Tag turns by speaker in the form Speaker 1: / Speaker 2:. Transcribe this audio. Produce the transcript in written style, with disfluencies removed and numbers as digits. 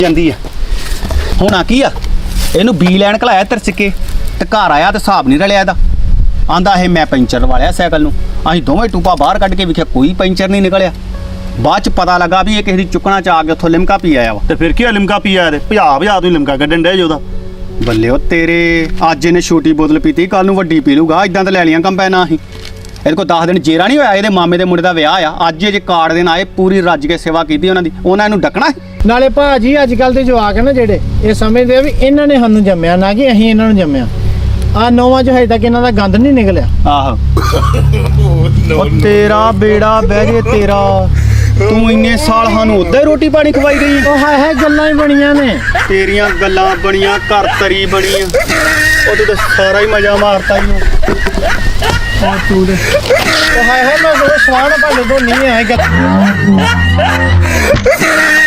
Speaker 1: ਜਾਂਦੀ ਆ ਹੁਣ ਆ ਕੀ ਆ ਇਹਨੂੰ ਬੀ ਲੈਣ ਘਲਾਇਆ ਤਰਸਿੱਕੇ ਤੇ ਘਰ ਆਇਆ ਤੇ ਹਿਸਾਬ ਨਹੀਂ ਰਲਿਆ ਇਹਦਾ ਆਂਦਾ ਇਹ ਮੈਂ ਪੈਂਚਰ ਵਾਲਿਆ ਸਾਈਕਲ ਨੂੰ ਅਸੀਂ ਦੋਵੇਂ ਟੂਪਾ ਬਾਹਰ ਕੱਢ ਕੇ ਵੇਖਿਆ ਕੋਈ ਪੈਂਚਰ ਨਹੀਂ ਨਿਕਲਿਆ ਬਾਅਦ ਚ ਪਤਾ ਲੱਗਾ ਵੀ ਇਹ ਕਿਸੇ ਦੀ ਚੁੱਕਣਾ ਚ ਆ ਕੇ ਉੱਥੋਂ ਲਿਮਕਾ ਪੀ ਆਇਆ ਵਾ
Speaker 2: ਤੇ ਫਿਰ ਕੀ ਲਿਮਕਾ ਪੀ ਆਇਆ ਤੇ ਭਜਾ ਤੂੰ ਲਿਮਕਾ ਕੱਢਣ ਡਿਆ ਉਹਦਾ
Speaker 1: ਬੱਲਿਓ ਤੇਰੇ ਅੱਜ ਇਹਨੇ ਛੋਟੀ ਬੋਤਲ ਪੀਤੀ ਕੱਲ ਨੂੰ ਵੱਡੀ ਪੀ ਲੂਗਾ ਇਦਾਂ ਤਾਂ ਲੈ ਲੀਆਂ ਕੰਪੈਨਾਂ ਅਸੀਂ ਇਹਦੇ ਕੋਲ 10 ਦਿਨ ਜੇਰਾ ਨਹੀਂ ਹੋਇਆ ਇਹਦੇ ਮਾਮੇ ਦੇ ਮੁੰਡੇ ਦਾ ਵਿਆਹ ਆ ਅੱਜ ਇਹ ਜੇ ਕਾਰਡ ਦੇਣ ਆਏ ਪੂਰੀ ਰੱਜ ਕੇ ਸੇਵਾ ਕੀਤੀ ਉਹਨਾਂ ਦੀ ਉਹਨਾਂ ਇਹਨੂੰ ਡੱਕਣਾ
Speaker 3: ਨਾਲੇ ਭਾਜੀ ਅੱਜ ਕੱਲ ਦੇ ਜਵਾਕ ਨੇ ਜਿਹੜੇ ਇਹ ਸਮਝਦੇ ਆ ਵੀ ਇਹਨਾਂ ਨੇ ਸਾਨੂੰ ਜੰਮਿਆ ਨਾ ਕਿ ਅਸੀਂ ਇਹਨਾਂ ਨੂੰ ਜੰਮਿਆ ਆ ਨੌਵਾਂ ਚ ਹਜੇ ਤੱਕ ਇਹਨਾਂ ਦਾ ਗੰਦ ਨਹੀਂ ਨਿਕਲਿਆ
Speaker 1: ਆਹੋ ਉਹ ਤੇਰਾ ਬੇੜਾ ਬਹਿ ਜੇ ਤੇਰਾ ਤੂੰ ਇੰਨੇ ਸਾਲ ਸਾਨੂੰ ਉੱਧੇ ਰੋਟੀ ਪਾਣੀ ਖਵਾਈ ਗਈ
Speaker 3: ਉਹ ਹਾਏ ਗੱਲਾਂ ਹੀ ਬਣੀਆਂ ਨੇ
Speaker 1: ਤੇਰੀਆਂ ਗੱਲਾਂ ਬਣੀਆਂ ਘਰ ਤਰੀ ਬਣੀਆਂ ਉਹ ਤੂੰ ਤਾਂ ਸਾਰਾ ਹੀ ਮਜ਼ਾ ਮਾਰਤਾ ਹੀ
Speaker 3: ਉਹ ਤੂੰ ਦੇ ਉਹ ਹਾਏ ਮੈਂ ਉਹ ਸਵਾਨ ਭਾਂਡੇ ਤੋਂ ਨਹੀਂ ਆਏਗਾ